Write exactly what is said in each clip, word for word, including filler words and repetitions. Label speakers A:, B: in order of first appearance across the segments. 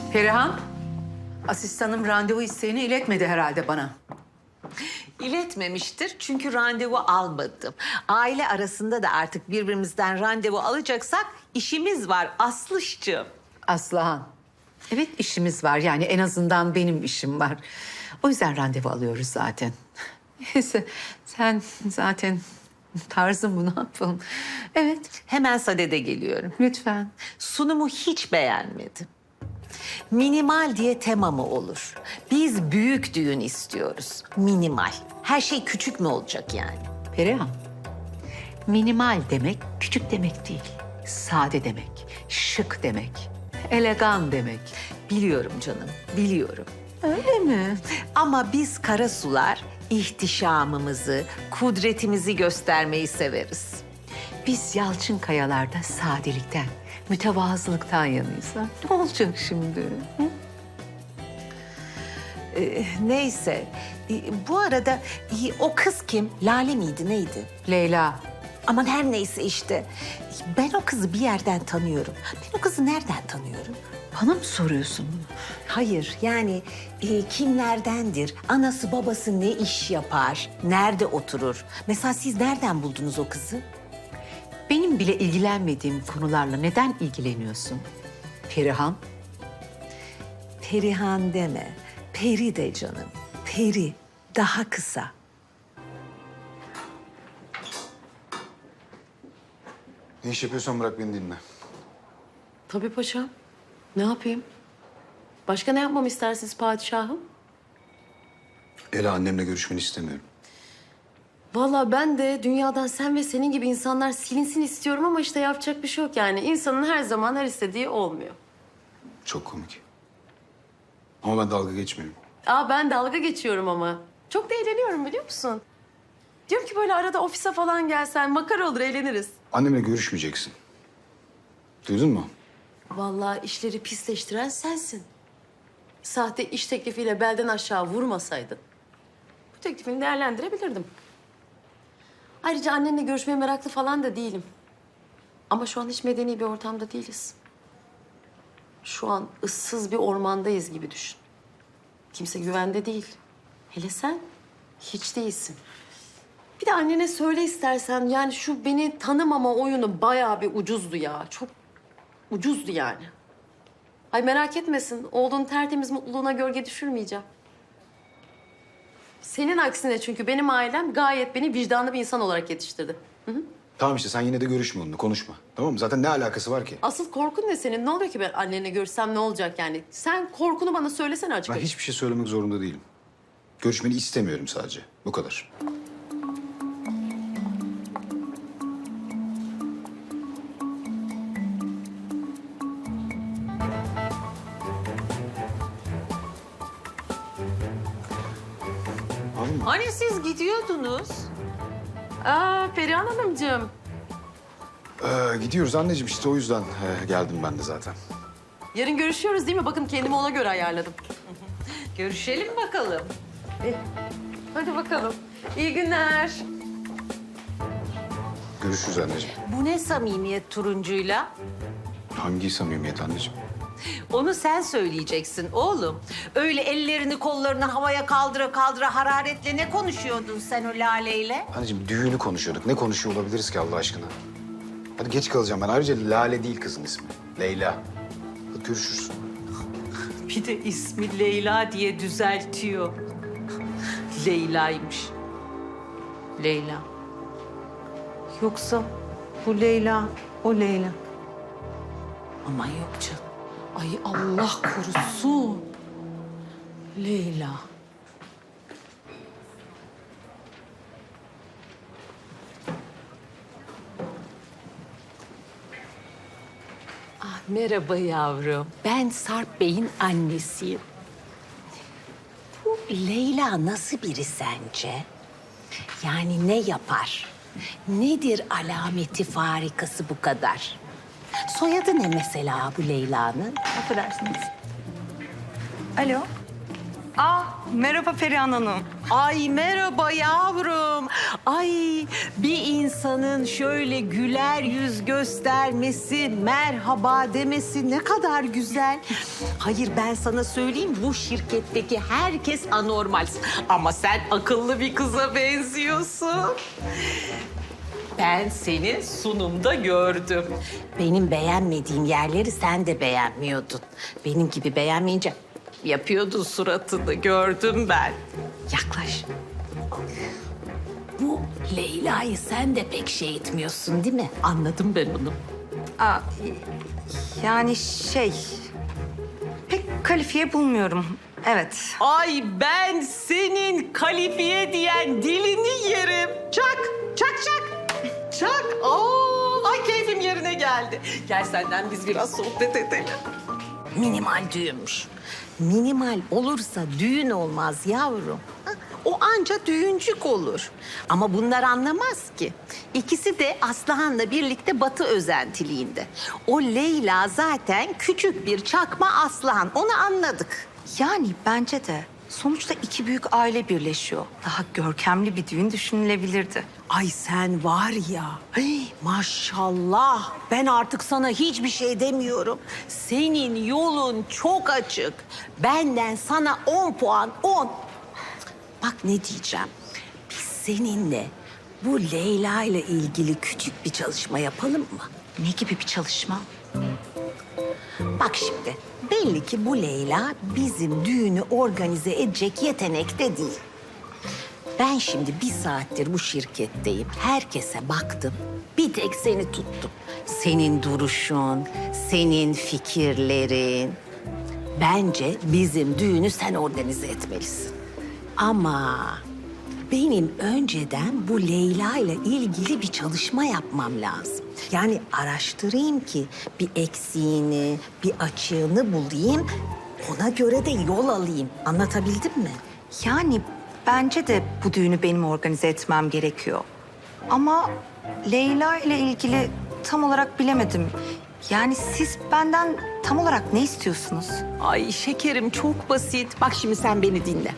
A: Perihan, asistanım randevu isteğini iletmedi herhalde bana.
B: İletmemiştir çünkü randevu almadım. Aile arasında da artık birbirimizden randevu alacaksak işimiz var Aslışcığım.
A: Aslıhan, evet işimiz var. Yani en azından benim işim var. O yüzden randevu alıyoruz zaten. Neyse, sen zaten tarzın bu, ne yapalım? Evet,
B: Hemen sadede geliyorum.
A: lütfen.
B: Sunumu hiç beğenmedim. Minimal diye tema mı olur? Biz büyük düğün istiyoruz. Minimal. Her şey küçük mü olacak yani?
A: Perihan, minimal demek küçük demek değil. Sade demek, şık demek, elegan demek.
B: Biliyorum canım, biliyorum.
A: Öyle mi?
B: Ama biz karasular ihtişamımızı, kudretimizi göstermeyi severiz.
A: Biz Yalçın Kayalar'da sadelikten, mütevazılıktan yanıyız. Ha? Ne olacak şimdi? Hı?
B: Ee, neyse, ee, bu arada ee, o kız kim? Lale miydi, neydi?
A: Leyla,
B: Aman her neyse işte. Ben o kızı bir yerden tanıyorum. Ben o kızı nereden tanıyorum?
A: bana mı soruyorsun bunu?
B: Hayır, yani e, kimlerdendir? Anası babası ne iş yapar? Nerede oturur? Mesela siz nereden buldunuz o kızı?
A: Benim bile ilgilenmediğim konularla neden ilgileniyorsun? Perihan,
B: Perihan deme. Peri de canım. Peri. Daha kısa.
C: Ne iş yapıyorsan bırak beni dinle.
D: Tabii paşam. Ne yapayım? Başka ne yapmamı istersiniz padişahım?
C: Ela, annemle görüşmeni istemiyorum.
D: Vallahi ben de dünyadan sen ve senin gibi insanlar silinsin istiyorum ama işte yapacak bir şey yok yani. İnsanın her zaman her istediği olmuyor.
C: Çok komik. Ama ben dalga geçmiyorum.
D: Aa ben dalga geçiyorum ama. Çok da eğleniyorum biliyor musun? Diyorum ki böyle arada ofise falan gelsen makara olur eğleniriz.
C: Annemle görüşmeyeceksin. Duydun mu?
D: Vallahi işleri pisleştiren sensin. Sahte iş teklifiyle belden aşağı vurmasaydın bu teklifini değerlendirebilirdim. Ayrıca annenle görüşmeye meraklı falan da değilim. Ama şu an hiç medeni bir ortamda değiliz. Şu an ıssız bir ormandayız gibi düşün. Kimse güvende değil. Hele sen hiç değilsin. Bir de annene söyle istersen, yani şu beni tanımama oyunu bayağı bir ucuzdu ya. Çok ucuzdu yani. Ay merak etmesin, oğlunun tertemiz mutluluğuna gölge düşürmeyeceğim. Senin aksine çünkü benim ailem gayet beni vicdanlı bir insan olarak yetiştirdi.
C: Tamam işte, sen yine de görüşme onunla, konuşma. Tamam mı? Zaten ne alakası var ki?
D: Asıl korkun ne senin? Ne oluyor ki ben annenle görüşsem ne olacak yani? Sen korkunu bana söylesene açık
C: Ben
D: açık.
C: hiçbir şey söylemek zorunda değilim. Görüşmeni istemiyorum sadece. Bu kadar. Anladın mı?
B: Hani siz gidiyordunuz?
D: Aa Perihan Hanımcığım.
C: Ee, gidiyoruz anneciğim, işte o yüzden e, geldim ben de zaten.
D: Yarın görüşüyoruz değil mi? Bakın kendimi ona göre ayarladım.
B: Görüşelim bakalım.
D: Hadi bakalım. İyi günler.
C: Görüşürüz anneciğim.
B: Bu ne samimiyet turuncuyla?
C: Hangi samimiyet anneciğim?
B: Onu sen söyleyeceksin oğlum. Öyle ellerini kollarını havaya kaldıra kaldıra hararetle ne konuşuyordun sen o Lale'yle?
C: Anneciğim, düğünü konuşuyorduk. Ne konuşuyor olabiliriz ki Allah aşkına? Hadi geç kalacağım ben. Ayrıca Lale değil kızın ismi. Leyla. Hadi görüşürüz.
B: Bir de ismi Leyla diye düzeltiyor. Leyla'ymış. Leyla. Yoksa bu Leyla, o Leyla. Ama yok canım.
D: Ay Allah korusun. Leyla.
B: Ah, merhaba yavrum. Ben Sarp Bey'in annesiyim.
E: Bu Leyla nasıl biri sence? Yani ne yapar? Nedir alameti farikası bu kadar? Soyadı ne mesela bu Leyla'nın?
F: Affedersiniz. Alo. Aa, merhaba Perihan Hanım.
B: Ay merhaba yavrum. Ay bir insanın şöyle güler yüz göstermesi, merhaba demesi ne kadar güzel. Hayır ben sana söyleyeyim bu şirketteki herkes anormal. Ama sen akıllı bir kıza benziyorsun. Ben seni sunumda gördüm. Benim beğenmediğim yerleri sen de beğenmiyordun. Benim gibi beğenmeyince yapıyordun suratını, gördüm ben. Yaklaş. Bu Leyla'yı sen de pek şey etmiyorsun değil mi? Anladım ben onu.
F: Aa, yani şey... Pek kalifiye bulmuyorum. Evet.
B: Ay ben senin kalifiye diyen dilini yerim. Çak, çak, çak. Çak. Aa, ay keyfim yerine geldi. Gel senden biz biraz sohbet edelim. Minimal düğünmüş. Minimal olursa düğün olmaz yavrum. Ha, o anca düğüncük olur. Ama bunlar anlamaz ki. İkisi de Aslıhan'la birlikte Batı özentiliğinde. O Leyla zaten küçük bir çakma Aslıhan. Onu anladık.
F: Yani bence de sonuçta iki büyük aile birleşiyor. Daha görkemli bir düğün düşünülebilirdi.
B: Ay sen var ya, hey, maşallah. Ben artık sana hiçbir şey demiyorum. Senin yolun çok açık. Benden sana on puan, on. Bak ne diyeceğim. Biz seninle bu Leyla ile ilgili küçük bir çalışma yapalım mı?
F: Ne gibi bir çalışma?
B: Bak şimdi, belli ki bu Leyla bizim düğünü organize edecek yetenekte değil. Ben şimdi bir saattir bu şirketteyim. Herkese baktım. Bir tek seni tuttum. Senin duruşun, senin fikirlerin. Bence bizim düğünü sen organize etmelisin. Ama benim önceden bu Leyla ile ilgili bir çalışma yapmam lazım. Yani araştırayım ki bir eksiğini, bir açığını bulayım. Ona göre de yol alayım. Anlatabildim mi?
F: Yani bence de bu düğünü benim organize etmem gerekiyor. Ama Leyla ile ilgili tam olarak bilemedim. Yani siz benden tam olarak ne istiyorsunuz?
B: Ay şekerim çok basit. Bak şimdi sen beni dinle.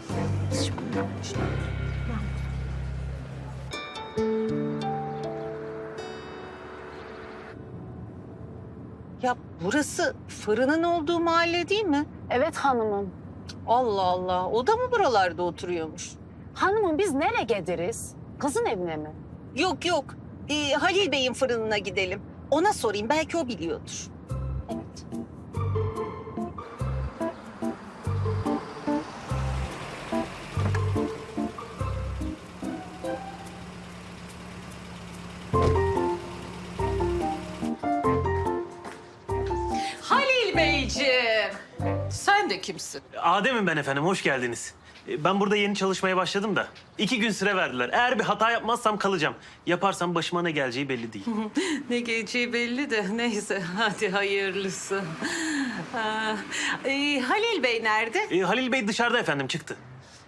B: Ya burası fırının olduğu mahalle değil mi?
G: Evet hanımım.
B: Allah Allah. O da mı buralarda oturuyormuş?
G: Hanımım biz nereye gideriz? Kızın evine mi?
B: Yok yok. Ee, Halil Bey'in fırınına gidelim. Ona sorayım. Belki o biliyordur.
G: Evet.
B: Halil Beyciğim. Sen de kimsin?
H: Adem'im ben efendim, hoş geldiniz. E, Ben burada yeni çalışmaya başladım da iki gün süre verdiler. Eğer bir hata yapmazsam kalacağım. Yaparsam başıma ne geleceği belli değil.
B: Ne geleceği belli de neyse hadi hayırlısı. Ha, e, Halil Bey nerede?
H: E, Halil Bey dışarıda efendim, çıktı.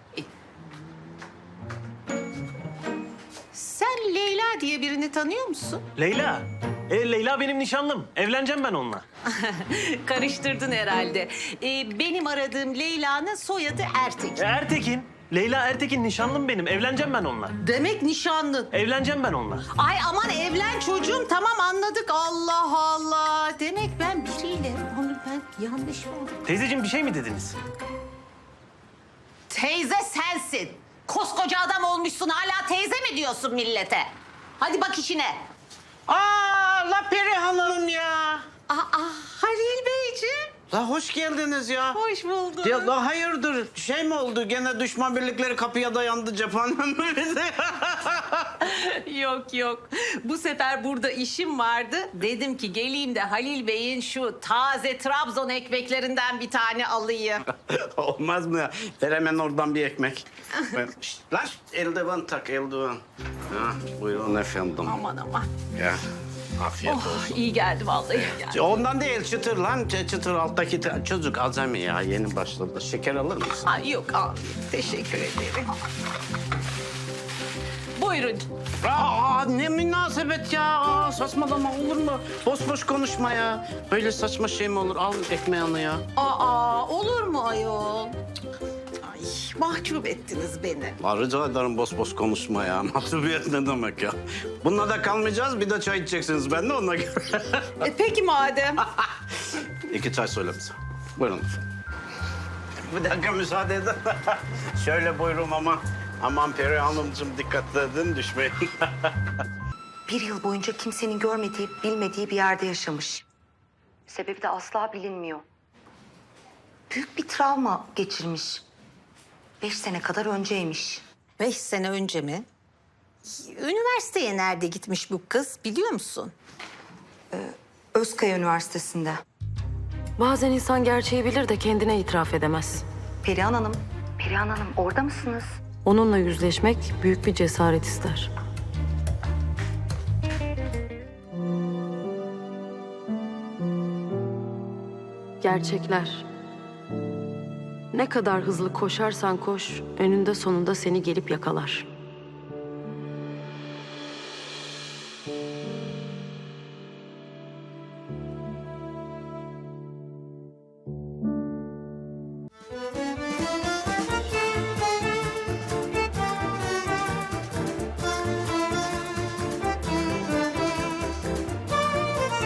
B: Sen Leyla diye birini tanıyor musun?
H: Leyla. E, Leyla benim nişanlım. Evleneceğim ben onunla.
B: Karıştırdın herhalde. E, benim aradığım Leyla'nın soyadı
H: E,
B: Ertekin.
H: Ertekin. Leyla Ertekin nişanlım benim. Evleneceğim ben onunla.
B: Demek nişanlın.
H: Evleneceğim ben onunla.
B: Ay aman evlen çocuğum tamam anladık Allah Allah. Demek ben biriyle onu ben yanlış mı oldu?
H: Teyzeciğim bir şey mi dediniz?
B: Teyze sensin. Koskoca adam olmuşsun hala teyze mi diyorsun millete? Hadi bak işine.
I: Aa, la Perihan Hanım ya.
B: Aa Halil Beyciğim.
I: La hoş geldiniz ya.
B: Hoş bulduk.
I: Ya la hayırdır? Şey mi oldu? Gene düşman birlikleri kapıya dayandı cephanem mi?
B: Yok yok. Bu sefer burada işim vardı. Dedim ki geleyim de Halil Bey'in şu taze Trabzon ekmeklerinden bir tane alayım.
I: Olmaz mı ya? Ver hemen oradan bir ekmek. Ben- Şşt, lan eldiven tak eldiven. Ha, buyurun efendim.
B: Aman aman.
I: Ya afiyet
B: Oh
I: olsun.
B: iyi geldi vallahi iyi geldi.
I: Ondan değil çıtır lan. Ç- Çıtır alttaki t- çocuk azami ya. Yeni başladı. Şeker alır mısın?
B: Ay yok abi. Teşekkür ederim. Buyurun.
I: Aa, ne münasebet ya. Aa, saçmalama olur mu? Boş boş konuşma ya. Böyle saçma şey mi olur? Al ekmeğini ya.
B: Aa olur mu ayol? Ay Mahcup ettiniz beni.
I: La rica ederim boş boş konuşma ya. Mahcubiyet ne demek ya? Bununla da kalmayacağız. Bir de çay içeceksiniz. Ben de ona göre.
B: E peki madem.
I: İki çay söyle bize. Buyurun. Bir dakika müsaade edin. Şöyle buyurun ama. Aman Peri Hanımcığım dikkatli edin düşmeyin.
F: Bir yıl boyunca kimsenin görmediği, bilmediği bir yerde yaşamış. Sebebi de asla bilinmiyor. Büyük bir travma geçirmiş. Beş sene kadar önceymiş.
B: Beş sene önce mi? Üniversiteye nerede gitmiş bu kız biliyor musun?
F: Özkaya Üniversitesi'nde.
D: Bazen insan gerçeği bilir de kendine itiraf edemez.
F: Perihan Hanım, Perihan Hanım orada mısınız?
D: Onunla yüzleşmek büyük bir cesaret ister. Gerçekler. Ne kadar hızlı koşarsan koş, önünde sonunda seni gelip yakalar.